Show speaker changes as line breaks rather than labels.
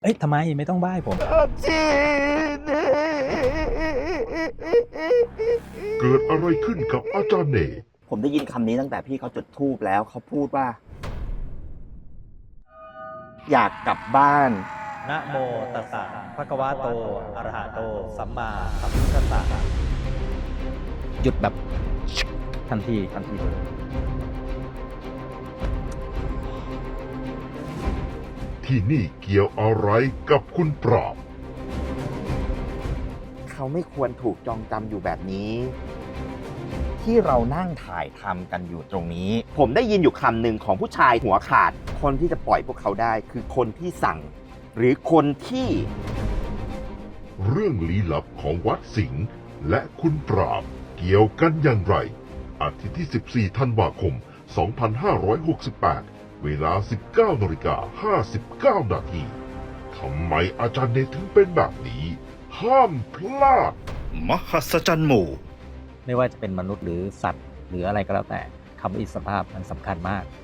เอ้ยทำไมไม่ต้องบ้ายผม
เกิดอะไรขึ้นกับอาจารย์เน
ผมได้ยินคำนี้ตั้งแต่พี่เขาจุดธูปแล้วเขาพูดว่า อยากกลับบ้าน
นะโมตัสสะภะคะวะโตอะระหะโตสัมมาสัมพุทธัสสะหยุดแบบทันทีเลย
ที่นี่เกี่ยวอะไรกับคุณปราบ
เขาไม่ควรถูกจองจำอยู่แบบนี้ ที่เรานั่งถ่ายทำกันอยู่ตรงนี้ ผมได้ยินอยู่คำหนึ่งของผู้ชายหัวขาด คนที่จะปล่อยพวกเขาได้คือคนที่สั่ง หรือคนที่
เรื่องลี้ลับของวัดสิงห์และคุณปราบเกี่ยวกันอย่างไร อาทิตย์ที่ 14 ธันวาคม 2568 เวลา 19:59 นาทีทำไมอาจารย์เนถึงเป็นแบบนี้ ห้ามพลาด
มหัศจรรย์หมู่
ไม่ว่าจะเป็นมนุษย์หรือสัตว์หรืออะไรก็แล้วแต่คำว่าอิสรภาพมันสำคัญมาก